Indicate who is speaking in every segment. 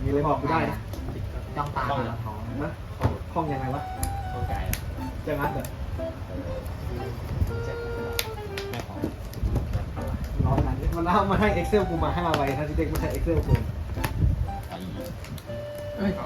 Speaker 1: มีอะไรบอกกูได้นะ
Speaker 2: จ้องตาแล้วท้อง
Speaker 1: นะคล่องยังไงวะ
Speaker 3: เข้าใจ
Speaker 1: จะงัดเหรอ
Speaker 3: ไม่ของ
Speaker 1: ร้องนั้นมันเอามาให้ Excel กูมา5 ใบทั้งที่เด็กไม่ใช่ Excel กู
Speaker 3: ไอ้
Speaker 2: เฮ้ย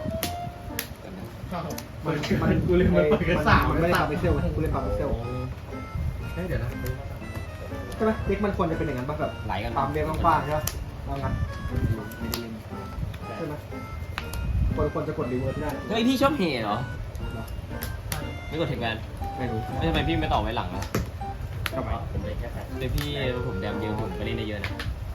Speaker 1: มันกูเล่นมันเปิดกัน3มันไม่ได้ทำ Excel กูเล่นทำ Excel
Speaker 2: เฮ้ยเดี๋ยวนะ
Speaker 1: ใช่ไหมเด็กมันควรจะเป็นอย่างนั้นป่ะแบบ
Speaker 3: ไหลกัน
Speaker 1: ปั๊มเด็กกว้างๆใช่ป่ะเอางั้นใช่ไหมควรจะกดรีเวิร์สได้
Speaker 3: เฮ้ยพี่ชอบเฮเหรอไม่กดเทคแวน
Speaker 1: ไม่รู้
Speaker 3: ไม่ทำไมพี่ไม่ต่อไว้หลังล่ะ
Speaker 1: ทำไม
Speaker 3: เดี๋ยวพี่ผมแดมเยอะผมไปเล่นได้เยอะนะ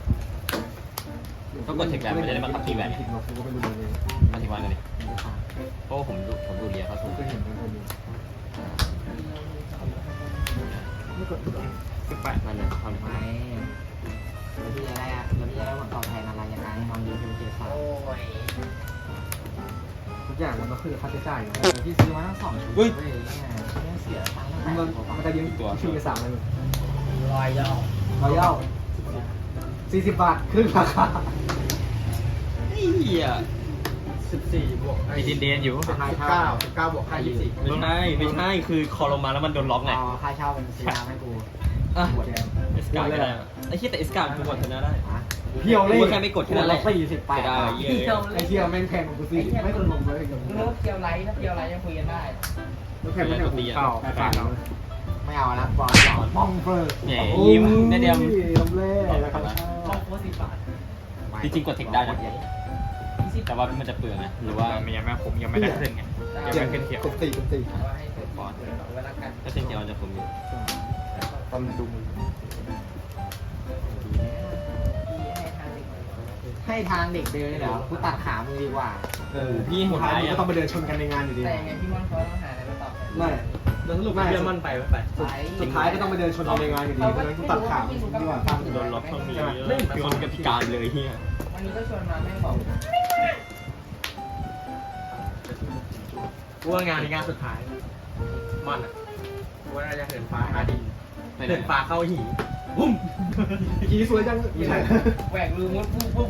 Speaker 3: ต้องกดเทคแวนมันจะได้มาขับทีแวน
Speaker 1: ผิดหรอกกูก็ไม่รู้เลย
Speaker 3: มาทีวันกันดิเพราะผมดูเรียเขาสูง
Speaker 1: ก็เห็นมันคนนี้ไม่กด
Speaker 3: 18มันนะความ
Speaker 2: ไม่แล้วพี่จะได้แล้วพี่จะได้ผลตอบแทนอะไรยังไงน้องยูทูบเจ็ดสาม
Speaker 1: ทุกอย่างมันก็คือค่าใช้จ่ายอยู่
Speaker 2: พี่ซื้อมาทั้ง2 ชุดเว้ยเนี่ยเสียตังค์ตั้ง
Speaker 1: มัน
Speaker 2: แต่
Speaker 1: มันจะยืมชื่อไป3เลย
Speaker 2: รอยย่อ
Speaker 1: เราเย้า40 บาทครึ่งราคา
Speaker 3: เหี้ย
Speaker 4: 14 บวก
Speaker 3: มีเดนอยู่
Speaker 4: 19บวกค่า24
Speaker 3: ไม่ใช่คือคอลงมาแล้วมันโดนล็อกไง
Speaker 2: เอาค่าเช่าเป็นซื้อน้ำให้กู
Speaker 3: อ่ะ
Speaker 1: หัวแดง
Speaker 3: เอสกาก็ได้ไอ้เหี้ยแต่เอสกามันกดชนะได้
Speaker 1: เพียวเลย
Speaker 3: แค่ไม่กดแค่นั้นแหละ
Speaker 2: 48
Speaker 3: ได้
Speaker 2: บาท
Speaker 3: เหี้ย
Speaker 1: ไอเทียแม่งแพงกว่ากูสิไม่คนลงเลยกับ
Speaker 5: เลิกเกียวไลท์ถ้าเกียวไลท์ยังคุยกันได้
Speaker 1: แล้วแพงไม่แพงกูเก่าแพงแล้ว
Speaker 2: ไม่เอาแล้วบอลสอน
Speaker 1: มองเฟอร์
Speaker 3: เนี่ยยิ้มได้เดียว
Speaker 1: ลำเล่แล้วครับ
Speaker 5: ช่องโพสต์10 บาท
Speaker 3: จริงๆกดเทคได้นะแต่ว่ามันจะเปลืองนะหรือว่า
Speaker 4: มันยังไม่ผมยังไม่ได้ขึ้นไงยังไม่ขึ้นเขียว
Speaker 1: กดตี
Speaker 5: ว่าให้เกิดก่อนเวลากัน
Speaker 3: ถ้าเส้นเขียวมันจะผมอยู่
Speaker 1: ตอนดูมือ
Speaker 2: ให้ทางเด็กเดินเลยเหรอกูตัดขามึงดีกว่า
Speaker 3: พี่
Speaker 1: สุ
Speaker 3: หั
Speaker 1: ด
Speaker 3: ว
Speaker 1: ท้าย
Speaker 3: ท้าย
Speaker 1: มันก็ต้องไปเดินชนกันในงานอยู่ดี
Speaker 5: แต่ยังไงพี่ม่อนเขาต้องหาอะไรมาตอบ
Speaker 1: ไม่
Speaker 4: แล้วสรุปเพื่อนมันไปไม่ไป
Speaker 1: สุดท้ายก็ต้องไปเดินชนกันในงานอยู่ดีเพราะฉะนั้นกูตัดขาดีกว่า
Speaker 3: โดนล็อกต้องมีไม่คือคนกับพิการเลยเฮีย
Speaker 5: วันนี้ก็ชวนมาแม่งบอก
Speaker 4: กูว่างานในงานสุดท้ายมันอ่ะกูว่าน่าจะเหินฟ้าหาดินเหินฟ้าเข้าหีบุ้ม
Speaker 1: ขี่สวยจัง
Speaker 5: แหวกรูมุดปุ๊บ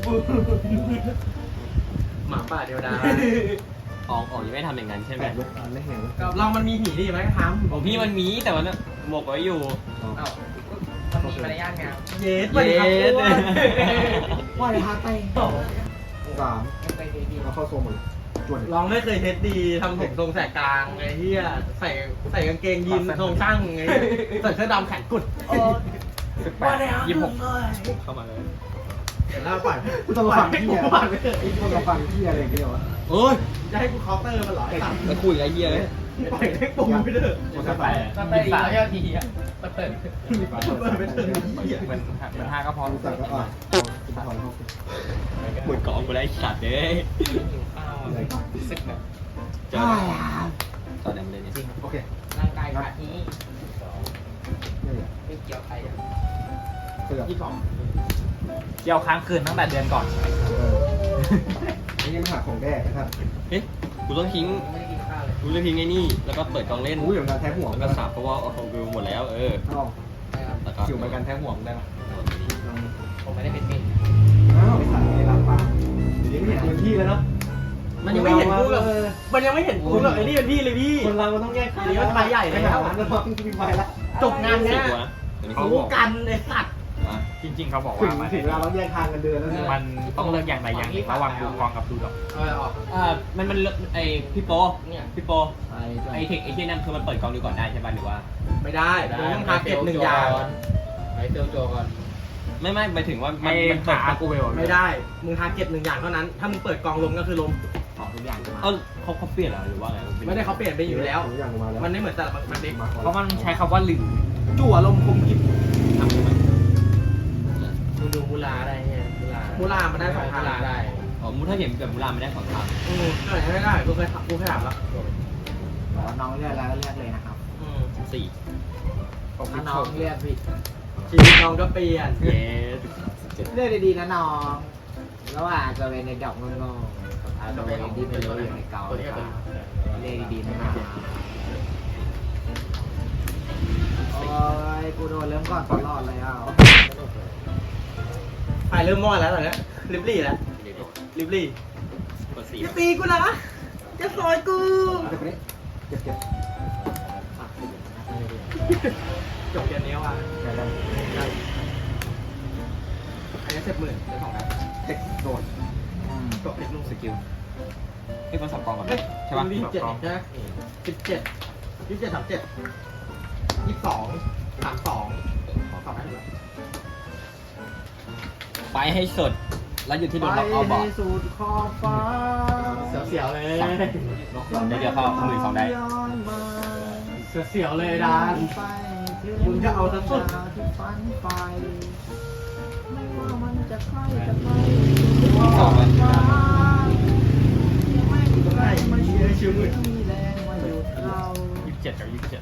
Speaker 4: หมาป่าเดียวดาย
Speaker 3: ออกยังไม่ทำอย่างนั้นใช่ไหม
Speaker 1: แปดเลยไม่เห็น
Speaker 4: เรามันมีหีดิไหมทำ
Speaker 3: ของพี่มันมีแต่ว่าหมกไว้อยู่
Speaker 5: เอ้ามันมีมารยาทงาม
Speaker 4: เย็ดไปครับกู
Speaker 1: ว่ายพาไป3
Speaker 5: ยังไปดี
Speaker 1: แล้วเข้าโซนหมดเลยจวน
Speaker 4: ลองไม่เคยเทสดีทำผมทรงแสกกลางไอ้เหี้ยใส่กางเกงยีนทรงช่างไงใส่เสื้อดำแขนกุด
Speaker 3: 26เข้ามาเลย
Speaker 4: เดี๋ยวเล่าก่อน
Speaker 1: กูต้องฟังที่ต้องฟังที่อะไรอย่างเงี้ยวะ
Speaker 4: โอ้ยจะให้กูเคาน์เตอร์มันเหรอไอ้สัตว์
Speaker 3: แล้วคุยกับไอ้เฮียเลย
Speaker 4: ปล่อยให้ปูไปเถอะ
Speaker 1: มันก็ไป
Speaker 5: ๆมันไปอีกแล้วยอดทีอ่ะมันเปิด
Speaker 4: เปิดไปเถอะเหี้ย
Speaker 3: มัน5ก็พอ
Speaker 1: รู้จักก็อ่ะคุณถอนเข้า
Speaker 3: เหมือนกองกูได้สัตว์เลย
Speaker 5: ข้าวสึกแบบ
Speaker 3: เจอตอนนี้มันเลยจริง
Speaker 1: โอเค
Speaker 5: ร่างกายขาดนี้
Speaker 1: นี่แหละ
Speaker 5: ไม่เกี่ยวใครอ่ะ
Speaker 1: เสือก
Speaker 4: เกี่ยวค้างคืนตั้งแต่เดือนก่อน
Speaker 1: นี่ยังหาของแดกนะครับ
Speaker 3: เฮ้ยกูต้องทิ้ง
Speaker 5: ไม่ได้กินข้าวเลย
Speaker 3: กูจะทิ้งไอ้นี่แล้วก็เปิดกองเล่น
Speaker 1: อู้อย่างการแท้ห่วง
Speaker 3: แล้วก็สับเพราะว่าเอาของกูหมดแล้ว
Speaker 1: เ
Speaker 3: เออ
Speaker 1: อ้า
Speaker 3: แล้วก็
Speaker 1: คิวเหมือนกันแท้ห่วงได้ไหม
Speaker 5: ผมไม่ได้เป็นเมน
Speaker 1: อ้าวไอ้สัตว์ไอ้ลำปางเดี๋ยวนี้ไม่เห็นพื้นที่แล้วเนาะ
Speaker 4: มันยังไม่เห็นกูกับมันยังไม่เห็นกูกับไอ้นี่เป็นพี่เลยพี่
Speaker 1: คนเรามันต้องแยก
Speaker 4: เดี๋ยวมันไปใหญ่แล้ว
Speaker 1: แล้วมีไปแล้ว
Speaker 4: จบงานเนี้ย
Speaker 3: ตัวนะตัวนี้
Speaker 4: รู้กันไอ้สัตว์
Speaker 6: จริงๆเขาบอก
Speaker 1: ถึ
Speaker 6: ว่าง
Speaker 1: ถึงเวลาเราแยกทางกันเดินแล้วเนี่ย
Speaker 6: มันต้องเลือกอย่างใดอย่างหนึ่งระหว่างดูกองกับดูดอก
Speaker 3: มันไอพี่โป
Speaker 5: เนี่ย
Speaker 3: พี่โปไอเทคไอเทียนั่นคือมันเปิดกองดูก่อนได้ใช่ป่ะหรือว่า
Speaker 4: ไม่ได้มึงต้องทาร์เก็ต1 อย่าง
Speaker 5: ไอเซลโจก่อน
Speaker 3: ไม่หมายถึงว่ามั
Speaker 6: ไอ้
Speaker 3: นเปิด
Speaker 6: ขากูไปบอก
Speaker 4: ไม่ได้มึงทาร์เก็ต1 อย่างเท่านั้นถ้ามึงเปิดกองลมก็คือลม
Speaker 2: ของทุกอย่างมา
Speaker 3: เขาเปลี่ยนเหรอหรือว่าไง
Speaker 4: ไม่ได้เขาเปลี่ยนไปอยู่แล้ว
Speaker 1: อย่างมาแล้ว
Speaker 4: มันไม่เหมือนแต่ละมันเด็ก
Speaker 6: เพราะมันใช้คำว่าหรือ
Speaker 4: จั่วลมคมกิบ
Speaker 3: ทำใช่ไหม
Speaker 5: มึงดูมูลาได้เนี่ย
Speaker 4: มูลามันได้2 ทาง
Speaker 5: ได้
Speaker 3: อ๋อมูถ้าเห็นกับมูลาไม่ได้2 ทาง
Speaker 4: ก็ไหนไม่ได้กูเคยถามแล้ว
Speaker 2: น้องเลือกแล้วเลือกเลยนะครับ
Speaker 3: 4
Speaker 2: ถ้าน้องเลือกผิด
Speaker 4: ชีวิตน้องก็เปลี่ยน
Speaker 3: เย้
Speaker 2: เลือกดีๆนะน้องระหว่างจะเป็นในดอกโง่ๆกับจะเป็นที่เป็นรู้อยู่ในเกาเลือกดีๆนะน้องโอ้ยกูโดนเริ่มก่อนตลอดเลยอ่ะ
Speaker 4: ไปเริ่มมอดแล้วตอนนี้ลิบลี่แล้วลิบลี่
Speaker 3: กดสี่
Speaker 4: อย่าตีกูนะจะซอยกู
Speaker 1: เก็บไปนี้เก็บ
Speaker 4: จบเกมนี้ว่ะ
Speaker 1: ได้ได้
Speaker 4: อันนี้10,000ได้2แล้ว
Speaker 1: เทคโดน
Speaker 4: จบเทคลูก
Speaker 3: สกิลพี่คนสับกองก่อน
Speaker 4: เฮ้ย
Speaker 3: ใช่ปะ
Speaker 4: 27ใช่ไหม17 27 37 22 32ขอให้เหลือ
Speaker 3: ไปให้สุดแล้วหยุดที่โดนล็อกเอาบอร์ด
Speaker 2: สุดขอบฟ้า
Speaker 4: เสียวๆเลย
Speaker 3: เดี๋ยวเข้า12,000ได้
Speaker 4: เสียวๆเลยดาน มึงจะเอาซะสุด
Speaker 2: ที่ฝันไปไม่ว่ามันจะใกล้จะไกล
Speaker 3: สองเลย
Speaker 2: ฟ้าไม่มีใครมาช่วย
Speaker 4: ชิวมือ
Speaker 2: มีแรงมาหยุดเรา
Speaker 6: 27 กับ 27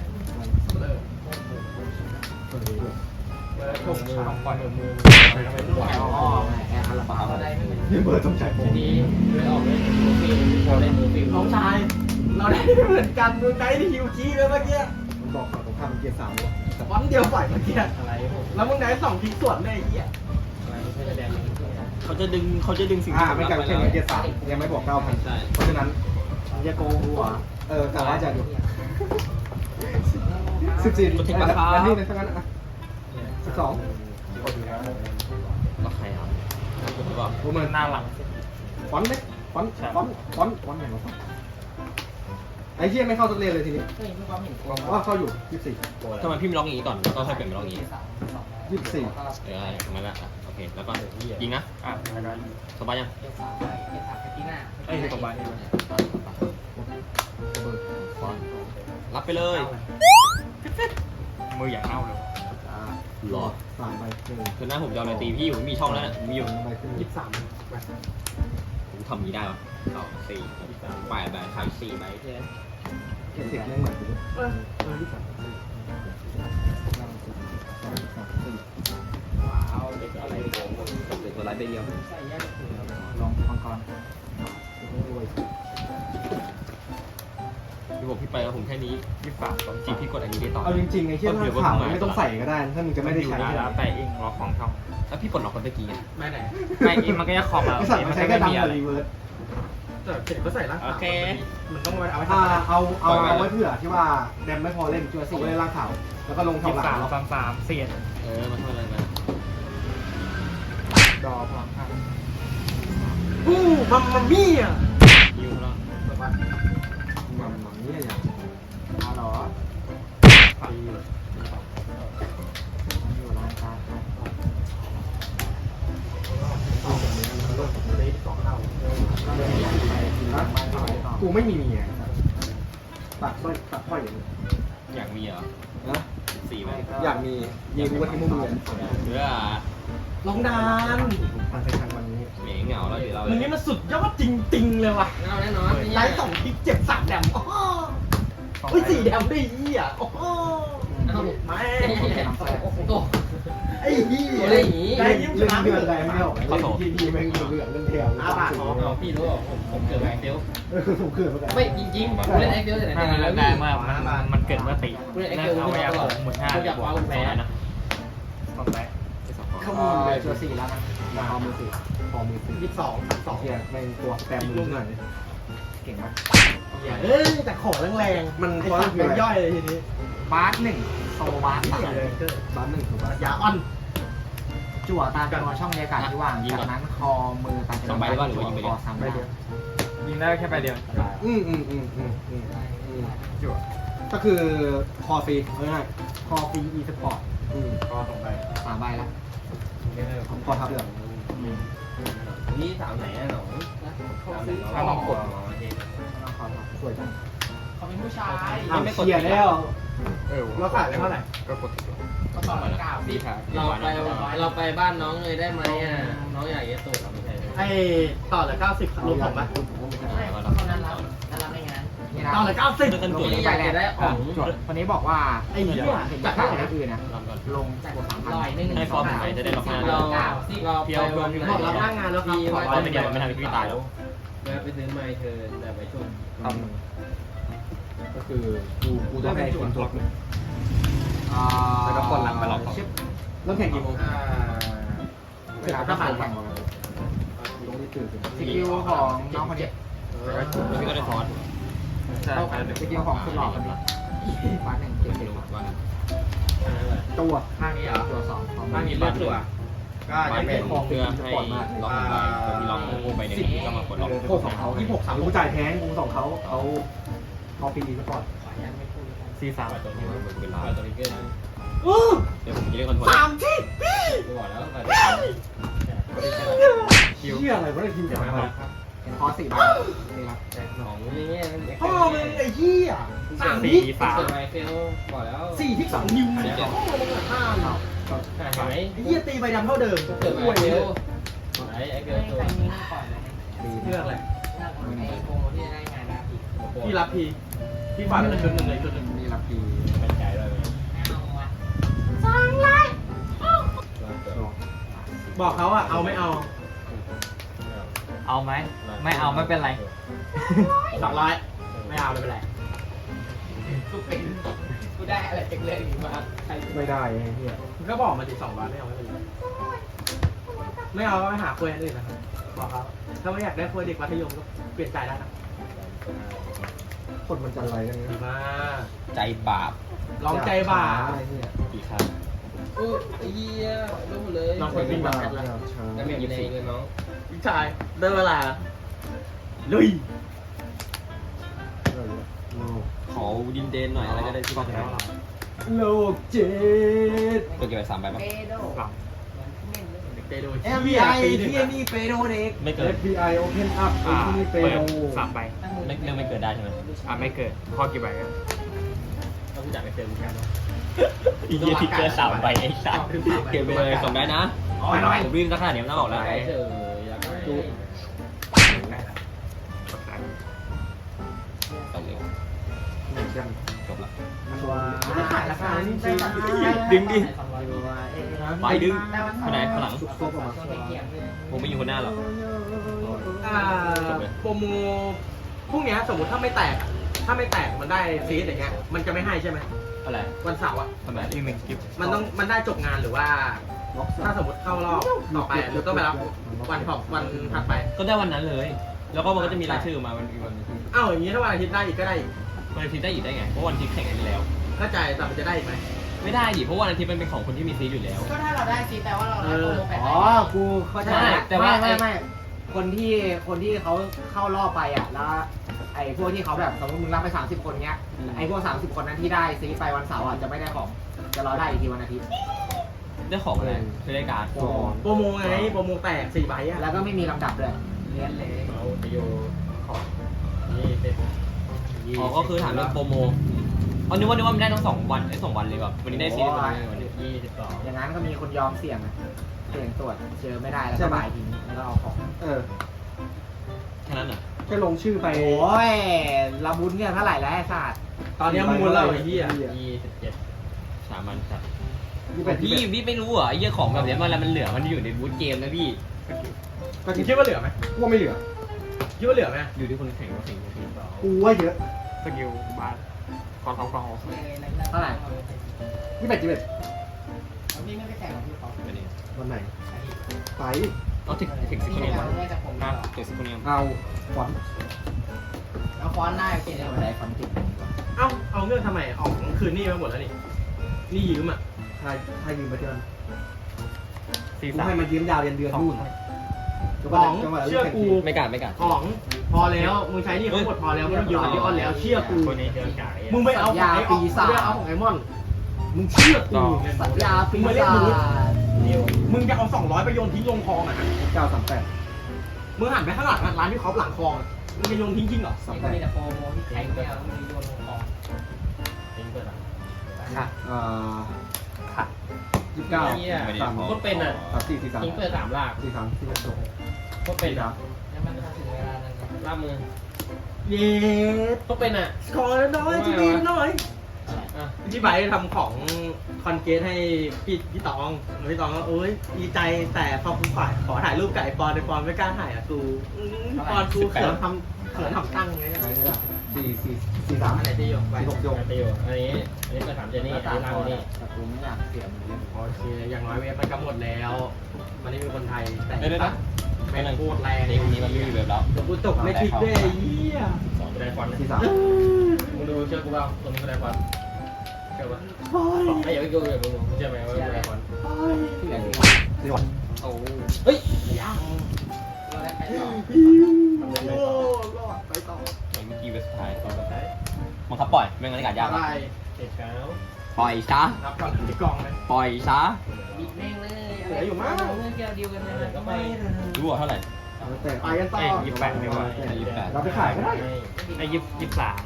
Speaker 5: ต้องปล่อยมือ
Speaker 2: อ๋อแอบอะไรบ้า
Speaker 5: ได้ไม่เหมือน
Speaker 1: นี่เบอร์ต้องใช้โปร
Speaker 5: ทีนี้เลยออกเลยมือฟิลเราได้มือฟิล
Speaker 4: น้องชาย เราได้เหมือนกันดูใจที่ฮิวคีเลยเมื่อกี้
Speaker 1: มันบอกฝั่งตรงข้ามมันเกียร์3เลย
Speaker 4: วันเดียวฝ่ายเมื่อกี้
Speaker 5: อะไรผม
Speaker 4: แล้วมึงได้2ทีส่วนเลยไอ้เหี้ย
Speaker 5: อะไรไม่ใช่แดง
Speaker 3: เขาจะดึงสิ่ง
Speaker 1: ไม่กันเช่นเกียร์3ยังไม่บอก 9,000
Speaker 3: ใช่
Speaker 1: เพราะฉะนั้น
Speaker 2: มันจะโกงกูเหรอ
Speaker 1: แต่ว่าจะดู14แล้วนี่ในทั้งนั้นอ่ะ12
Speaker 3: ล็อกใครครับผมหรือเปล่า
Speaker 1: โอ้มัน
Speaker 6: หน้าหลัง
Speaker 1: ฟอนต์ไหมฟอนต์อย่างไรไอ้เหี้ยไม่เข้าสักเรียนเลยทีนี้
Speaker 5: เฮ้ยมีความเห็น
Speaker 1: ว่าเข้าอยู่24
Speaker 3: ทำไมพี่ไม่ล็อกอย่างนี้ก่อนแล้วก็ค่อยเปลี่ยนเป็นล็อกอย่างนี้
Speaker 1: 24
Speaker 3: งั้นละโอเคแล้วก็ยิงนะ
Speaker 6: แล้วก็
Speaker 3: สบายยัง
Speaker 5: เกม3ที่หน้า
Speaker 6: เอ้ยตัวใบ
Speaker 3: ฟอนรับไปเลย
Speaker 6: มืออย่างเน่าเลย
Speaker 3: หรอ
Speaker 1: 3ใบ1
Speaker 3: คือหน้าผมจะเอาอะไรตีพี่ผมมีช่องแล้วนะมีอยู่
Speaker 1: ใบขึ้น
Speaker 4: 23
Speaker 3: ผมทำนี้ได้ปะ2 4 8ใบขาย4ใบแค่
Speaker 1: เทคไม่เหมือนกัน
Speaker 5: ว้าวเด็กอะไรโกง
Speaker 3: เหลือตัวไลท์ใบเดียว
Speaker 5: ใส่ยัน
Speaker 2: ลองมังกร
Speaker 3: พี่บอกพี่ไปแล้วผมแค่นี้
Speaker 6: 23
Speaker 3: จีพี่กดอันนี้ได้ต่อ
Speaker 1: เอาจริงๆไอ้เชี่ยข่าวไม่ต้องใส่ก็ได้ถ้ามึงจะไม่ได้ใช้
Speaker 6: แล้วแต่เองล็อกของช่อง
Speaker 3: แล้วพี่ปลดล็อกคนตะกี้
Speaker 4: ไม่ไหน
Speaker 6: ไม่เองมันก็จะคอมมา
Speaker 1: ไอ้สัตว์
Speaker 6: มั
Speaker 1: มัน น
Speaker 6: ก็
Speaker 1: ใช้
Speaker 6: ไม่
Speaker 1: แค่ดัง
Speaker 6: มี
Speaker 1: กั
Speaker 6: อะ
Speaker 1: บ
Speaker 6: ไร
Speaker 1: รีเวิร์ส
Speaker 4: แต่เสร็จก็ใส่ร่าง
Speaker 3: โอเค
Speaker 4: มันต้องเอาไว้
Speaker 1: เอาไว้เผื่อที่ว่าแดมไม่พอเล่นจัว4เล่นร่างข่าวแล้วก็ลงทำหลัง
Speaker 6: 23 33เสียด
Speaker 3: มาช่วยอะไรมา
Speaker 6: ดอพลังข้าง
Speaker 4: มัมมามี่อ่ะ
Speaker 3: ยิวแล้ว
Speaker 1: มันนี่อย่าง
Speaker 2: เอาเหรอ
Speaker 6: ฝัน
Speaker 2: อยู่ร้านการ์ด
Speaker 1: กูไม่มีเมียตัดสร้อยตัดสร้อยอย่างนี้
Speaker 3: อยากมีเหรอ
Speaker 1: นะ
Speaker 3: 4ใบ
Speaker 1: อยากมีกูก็ทิ้งมึงเลย
Speaker 3: เพื่อ
Speaker 4: ลงดาน
Speaker 1: ทางไปทางวันนี้
Speaker 3: เหม่เหงาแล้วเดี๋ยวเรา
Speaker 4: มันนี้มันสุดยอดจริงๆเลยว่ะ
Speaker 5: แน่นอน
Speaker 4: ไลท์2ทีเจ็บ3แดมโอ้โหเฮ้ย4แดมได้ยี่อ่ะโอ้โห
Speaker 5: เอ้า
Speaker 4: ไม่
Speaker 5: โอ้โห
Speaker 4: ไอ้ยี่
Speaker 5: อะไรอย่างงี้
Speaker 4: ได้ยิ้มช
Speaker 1: เรื่อง
Speaker 4: นะ
Speaker 1: เดือนอะไรไม่ออกทีแม่งเหลืองเรื่องแถว
Speaker 5: เอาพี่รู้ผมเกิดไอเฟล
Speaker 1: ผมเกิดมา
Speaker 5: ไม่จริงๆผมเล่นไอเฟลแต่ไหน
Speaker 6: ถ้า
Speaker 5: แต่ไร
Speaker 6: มัน
Speaker 5: แล้ว
Speaker 6: ได้
Speaker 5: พี่
Speaker 6: เมื่อมันเกิดเมื่อตี
Speaker 5: กูเล่นไอ
Speaker 6: แล้
Speaker 5: เฟ
Speaker 6: ว
Speaker 5: ล
Speaker 6: เอา
Speaker 5: ไม่
Speaker 6: ไว้
Speaker 5: ได้
Speaker 6: เอา
Speaker 5: หรอก
Speaker 6: 15
Speaker 5: กูอยากว้าวแพ้
Speaker 3: นะ
Speaker 6: ต้องไป
Speaker 1: ขโมยเลยจัว4แล้วนะพอมือ4พอมือ4
Speaker 4: 22
Speaker 1: เฮียแม่งตัวแปมมือหน่อยเก่งมาก
Speaker 4: เอ้ยแต่ของแรงๆมันย่อยเลยทีนี้
Speaker 2: บาสหนึ่งโซบาส
Speaker 4: นี่
Speaker 2: สาม
Speaker 4: เลย
Speaker 1: บ้านหนึ่งถูกป่ะ
Speaker 4: ยาอ่อน
Speaker 2: จั่วตามจำนวนช่องบรรยากาศที่ว่างจากนั้นคอมือตามจำนวนคอซ้ำได้
Speaker 6: ยิงได้แค่ใบเดียว
Speaker 2: จั่ว
Speaker 1: ก็คือคอฟรีง่าย
Speaker 2: คอฟรีอีสปอร์ต
Speaker 4: ก็ตรงไป
Speaker 2: 3 ใบแล้ว
Speaker 1: คอทับเดือด
Speaker 5: นี่สาวไหนอ่ะหนู
Speaker 6: ถ้าลองกด
Speaker 2: ต้องขอรับ
Speaker 1: สวยจัง
Speaker 5: เขาเป็นผู้ชาย
Speaker 1: เชียร์แล้ว
Speaker 4: เราขายไปเท่าไหร่
Speaker 6: ก็กดติด
Speaker 5: ก็ตอนนั้นกล่าว
Speaker 3: ดีค่ะ
Speaker 5: เราไปบ้านน้องเลยได้ไหมอ่ะน้องอยากเยสูเราไม่ใช่
Speaker 4: ไอ้ต่อเหลือ90รวมผมไหม
Speaker 5: ไม่เขานั้นรับไม่งั้น
Speaker 4: ต่อเหลือ90
Speaker 3: กัน
Speaker 5: ตั
Speaker 3: ตัว ว
Speaker 5: นี้
Speaker 3: นี้
Speaker 5: อยากจะได้ของ
Speaker 2: จั่วคนนี้บอกว่า
Speaker 4: ไอ้เหี้ย
Speaker 2: เห็น
Speaker 4: จา
Speaker 2: จาก ก
Speaker 4: เท่า
Speaker 2: ข้าง
Speaker 4: ไหร่
Speaker 2: อื่นนะลงจั่ว
Speaker 5: ลอยนึง
Speaker 3: ให้ฟอร์มผมไปจะได้ล็อกหน้า
Speaker 5: เราไป
Speaker 4: บอกรับหน้างานแล้วครับขอ
Speaker 3: ร้อยเป็นเดียวมันไม่ทำให้พี่ตายแล้ว
Speaker 5: แล้วไปซื้อไมค์เธอแต่ไปชม
Speaker 1: ก็คือกูต้องให้คนจบ
Speaker 2: แล้วก็คนหลังไปหลอก
Speaker 1: เริ่มแข่งกี่โมง
Speaker 2: เวลาถ้าผ่านแข่ง
Speaker 1: โรงเรีไม่ตื่น
Speaker 2: สกิลของน้องคนนี้
Speaker 3: แล้วพี่ก็ได้คอร์ส
Speaker 6: ใช่
Speaker 2: สกิลของสุดหล่อคนนี้บ้านหนึ่งเก่งๆ
Speaker 3: ว่า
Speaker 1: ตัว
Speaker 4: ข้างนี้เหรอ
Speaker 2: ตัวสอง
Speaker 4: ข้างนี้เลือดตัวก็
Speaker 3: บ้า
Speaker 4: จะ
Speaker 3: น
Speaker 4: เป็
Speaker 3: เป็น นเพื่อให้ล็อกใบที่ล็อกโง่ใบหนึ่งก็มากดล็อก
Speaker 1: โคกของเขากูจ่ายแพงกูส่งเขาฟรีสปอร์ต
Speaker 6: 43
Speaker 3: ตัวนี้มันเป็นล้าน
Speaker 5: ตัวนี้เกิน
Speaker 3: เดี๋ยวผมจะเรียกคอนโทรล
Speaker 5: กูบอกแล้ว
Speaker 6: คิว
Speaker 1: เชี่ยอะไรวะไอ้ทีมจากอะไร
Speaker 2: เป็นคอ4ใบนี่ครับ
Speaker 5: ของนี่เนี่ย
Speaker 4: พ่อมึงไอ้เหี้ย3
Speaker 5: เกิ
Speaker 4: ทิศ
Speaker 5: ดไมเฟลบอกแล้ว
Speaker 4: 4ทิศ2นิ้วพ่อมึง5เนาะ
Speaker 5: เห็นไหม
Speaker 4: ไอ้เหี้ยตีใบดำเท่าเดิม
Speaker 5: เกิดไมเฟลไอ้เกิดตัว
Speaker 4: เรื่องอะไร
Speaker 2: โปรที่จะได้งานนะพี่
Speaker 4: พี่รับพี่ฝันเป็นชุดหนึ่งเลยชุดหนึ่ง
Speaker 2: มีรับพี
Speaker 5: เป็นใจด้วย
Speaker 4: บอกเขาอะเอาไม่เอา
Speaker 6: เอาไหมไม่เอาไม่เป็นไร
Speaker 4: 200ไม่เอาไม่เป็นไร
Speaker 2: กูได้อะไรจากเรื่องนี้มาใคร
Speaker 1: ไม่ได้ไอ้เหี้ย
Speaker 4: มึงก็บอกมาดิ200ไม่เอาไม่เป็นไรไม่เอาก็ไปหาคุยอันอื่นนะครับบอกเขาถ้าไม่อยากได้คุยเด็กมัธยมก็เปลี่ยนใจได้นะ
Speaker 1: คนมันจะอะไรกัน
Speaker 4: ดี
Speaker 1: เนี่ย
Speaker 4: มาก
Speaker 3: ใจบาป
Speaker 4: ลองใจบ่า
Speaker 1: ไอ้เหี้ย
Speaker 3: กี่ครั้ง
Speaker 5: อู้ไอ้เหี้ยรู้เลย
Speaker 4: ลอง
Speaker 1: คนวิ่งมาช้า
Speaker 5: แล้วมีอยู่ในเงินน้อง
Speaker 4: พี่ชายได้เวลาลุย
Speaker 3: ขอดินเดนหน่อยอะไรก็ได้ที่บ้าน
Speaker 1: โลกเจ็ด
Speaker 3: ตัวเก็บไป3ใบป่ะ
Speaker 2: เปโด
Speaker 4: เตโด
Speaker 2: FBI ที่นี่เปโดเด็ก
Speaker 3: ไม่เกิด
Speaker 1: FBI Open Up ไอ้ที่นี่เป
Speaker 6: เปิด
Speaker 1: โด
Speaker 6: 3ใบ
Speaker 3: ไม่เกิดได้ใช่ไหม
Speaker 6: ไม่เกิดข้อกี่ใบครับ
Speaker 4: ต้องรู้จักในเฟซบุ๊กกัน
Speaker 3: อีกที่เกิด3ใบไอ้สัตว์เก็บไปเลยส่งได้นะผมวิ่งสักขนาดนี้ต้องออกแล้ว
Speaker 5: ไอ้เจออยากได้
Speaker 3: ส่งเลย
Speaker 1: เหมือนกัน
Speaker 3: จบละ
Speaker 1: ตัว
Speaker 2: ไม่ขายราคานี่ได้ตังค์
Speaker 3: ดึงดิ
Speaker 2: ไป
Speaker 3: ไปดึงคนไหนข้างหลัง
Speaker 1: ซุกซบออกมา
Speaker 3: ผมไม่อยู่คนหน้าหรอก
Speaker 4: โปรโมพวกเนี้ยสมมติถ้าไม่แตกมันได้ซีดอย่างเงี้ยมันจะไม่ให้ใช่ไหม
Speaker 3: อะไร
Speaker 4: วันเสาร์อ่ะ
Speaker 3: ทำไม
Speaker 6: อีก1กิฟต์
Speaker 4: มันได้จบงานหรือว่า
Speaker 1: ล็อก
Speaker 4: ถ้าสมมติเข้ารอบต่อไปหรือต้องไปรับวันถัดไป
Speaker 3: ก็ได้วันนั้นเลย แล้วก็มันก็จะมีรายชื่อมาวันอีกวันนึง
Speaker 4: อ้าวอย่างนี้ถ้าวันอาทิตย์ได้อีกก็ได้อีก
Speaker 3: วันอาทิตย์ได้อีกได้ไง เพราะวันอาทิตย์แข่งกันแล้ว
Speaker 4: เข้าใจแต่มันจะได้อีกไหม
Speaker 3: ไม่ได้ดิ เพราะวันอาทิตย์มันเป็นของคนที่มีซีอยู่แล้ว
Speaker 2: ก็ถ้าเราได้ซีแต่ว่าเราได้โปรโมแปด
Speaker 1: อ๋อ กูเข้าใจ
Speaker 3: ใช่แต่ว่า
Speaker 2: ไม่คนที่เขาเข้ารอบไปอ่ะแล้วไอ้พวกที่เขาแบบสมมติมึงรับไป30 คนเงี้ยไอ้พวก30 คนนั้นที่ได้ซีไปวันเสาร์อ่ะจะไม่ได้ของจะรอได้อีกทีวันอาทิตย์
Speaker 3: ได้ของอะไรคือได้การ์ด
Speaker 4: โปรโมไงโปรโมแตก4 ใบอ่ะ
Speaker 2: แล้วก็ไม่มีลำดับด้วยเรียนเลย
Speaker 5: เอาไปโยของนี่เป็น
Speaker 3: อ๋อ ก็คือถามเรื่องโปรโมอ๋อนึกว่ามันได้ทั้ง2 วันได้2 วันเลยแบบวันนี้ได้ซีได้วันนี้
Speaker 5: 22
Speaker 2: อย่างนั้นก็มีคนยอมเสี่ยงอะเสี่ยงตรวจเจอไม่ได้แล้วก็บ่ายทิ้งแล้วก็เอาของ
Speaker 1: เออ
Speaker 3: แค่นั้นเหรอ
Speaker 1: แค่ลงชื่อไป
Speaker 2: โอ้ยเราบุญเนี่ยเท่าไหร่แล้วไอ้ศาสตร์
Speaker 4: ตอนนี้มูลเราไอ้เหี้ย
Speaker 5: 27
Speaker 3: สามัญจัด
Speaker 1: พี่
Speaker 3: พี่ไม่รู้เหรอไอ้เหี้ยของแบบเนี้ยมันเหลือมันอยู่ในบูธเกมนะพี่
Speaker 1: ก็
Speaker 4: คิดว่าเหลือไหม
Speaker 1: กูว่าไม่เหลือ
Speaker 4: คิดว่าเหลือไหม
Speaker 3: อยู่ที่คนแข่งก็แข่ง
Speaker 1: กูว่าเยอะ
Speaker 6: สกิลบ้านคอนท็อปคอนโฮ
Speaker 2: เท่าไหร่
Speaker 1: 21
Speaker 2: พี่ไม่ไปแข่งกับพี่เขา
Speaker 3: ไม่ได้
Speaker 1: วันไหน ไป
Speaker 3: เอาถึงสิคนนี้
Speaker 2: เราได้จากผม
Speaker 3: นะถึงสิคนนี้
Speaker 1: เอาฟอนต์
Speaker 2: แล้วฟอนต์ได้เปลี่ยนอะไรฟอนต์ติด
Speaker 4: เอาเรื่องทำไมออกคืนนี่มาหมดแล้วนี่ยืมอ่ะ
Speaker 1: ใครยืมมาเดือนกู
Speaker 6: 43
Speaker 1: ให้มายืมยาวเดือนนู่น
Speaker 4: เชื่อกู
Speaker 3: ไม่กล้า
Speaker 4: ของพอแล้วมึงใช้นี่เขาหมดพอแล้วไม่ต้องยืมกับดิออนแล้วเชื่อกู
Speaker 6: คนนี้
Speaker 5: เดินกาย
Speaker 4: มึงไปเอาของไอ้ออกมึงไปเอาของไอ้มอนมึงเชื่อกู
Speaker 2: สัญญาปีศาจ
Speaker 4: มึงจะเอา200ไปโยนทิ้งลงคลองอ่ะ
Speaker 1: 938
Speaker 4: มึงหันไปข้างหลังร้านที่เขาหลังคลองมึงจะโยนทิ้งจริงเหรอ
Speaker 2: นี่ก็มีแต่โปรโมที่แข่งไม่เอามีโยนลงของ
Speaker 5: ทิ้งเปิดอ่ะ
Speaker 6: ค่ะ ค่ะ
Speaker 1: 29
Speaker 5: ก็เป็นอ่ะ
Speaker 1: 34
Speaker 5: ทิ้งเปิด3ลาก
Speaker 1: 43 42
Speaker 5: ก็เป็นอ่ะ
Speaker 2: แล้วมันก็ถึงเวลานั้น
Speaker 5: ลากมือ
Speaker 4: เย็ด
Speaker 5: ก็เป็นอ่ะ
Speaker 4: ขอน้อยที่ดีหน่อย
Speaker 5: อ่ะ
Speaker 4: พี่ไบร์ททำของคอนเกตให้พี่ตองพี่ตองก็โอ๊ยดีใจแต่พอกูขอถ่ายรูปกับไอปอนไอปอนไม่กล้าถ่ายอ่ะกูปอนกูเขินทำตั้งไง
Speaker 1: อะไรเนี่ย43
Speaker 4: อะไรที่ยกไป
Speaker 5: ไปอยู่อันนี้เปิด3เจนี่
Speaker 2: ก็
Speaker 5: อัน
Speaker 2: ตาม
Speaker 5: นี้ลาก
Speaker 2: พอ
Speaker 5: นี่
Speaker 2: แต่กูไม่อยากเสียมือเล่น
Speaker 4: โอเคอย่างน้อยเว็บมันก็หมดแล้วมันไม่มีคนไทยแต่
Speaker 3: ได้นะ
Speaker 4: แม
Speaker 5: ม่งโคตรแรง
Speaker 3: นี่คนนี้มันไม่มีเว็บแล้ว
Speaker 4: เดี๋ยวกูตกไม่ทิกด้วยไอ้เหี้ย
Speaker 5: สองกระไดควันนะ
Speaker 2: ที่สาม
Speaker 5: มึงดูเชื่อกูเปล่าตัวนี้กระไดควันเชื่อปะไอ้อย่าไปกูอย่าไปกูเชื่อไหมว่ากระไดควัน
Speaker 2: ที่ไหนที่
Speaker 1: ที่วัน
Speaker 5: โอ้
Speaker 3: เฮ้ย
Speaker 2: เราได้ไปต่อ
Speaker 4: โอ้รอดไปต่อ
Speaker 3: เมื่อกี้เว็บสุดท้าย
Speaker 5: ต่อไป
Speaker 3: บังคับปล่อยไม่งั้นอากาศยาก
Speaker 4: อะไร
Speaker 5: เจ็ดเช้า
Speaker 3: ปล่อยซะ
Speaker 4: รับก่อนที่กล่องเลย
Speaker 3: ปล่อยซะ
Speaker 5: บิดแม่งเลย
Speaker 4: เหลืออยู่มั้ง
Speaker 5: เรื่องเกี่ยวเดียวกันเลยก็ไม่
Speaker 3: รู้ว่าเท่าไหร่
Speaker 1: แต่
Speaker 4: ไปกันต่อ
Speaker 6: เอ้ย28ดีกว่า
Speaker 3: 28
Speaker 1: เราไปขายก็ได้
Speaker 6: ไอ้23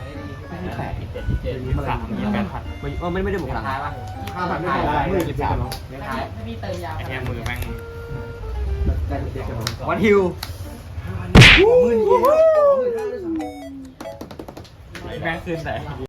Speaker 3: ไม่ได้บุกพลัง
Speaker 2: ท้ายป่ะ
Speaker 1: 5,000ไม่ได้มือ23เนาะ
Speaker 2: ไม่ท้าย
Speaker 5: ถ้าพี่เติมยาว
Speaker 6: ไอ้เนี่ยมือแม่ง
Speaker 1: ได้เด็กกันเนาะ
Speaker 6: วันฮิว
Speaker 1: มือนี้
Speaker 6: แม่งขึ้นไหน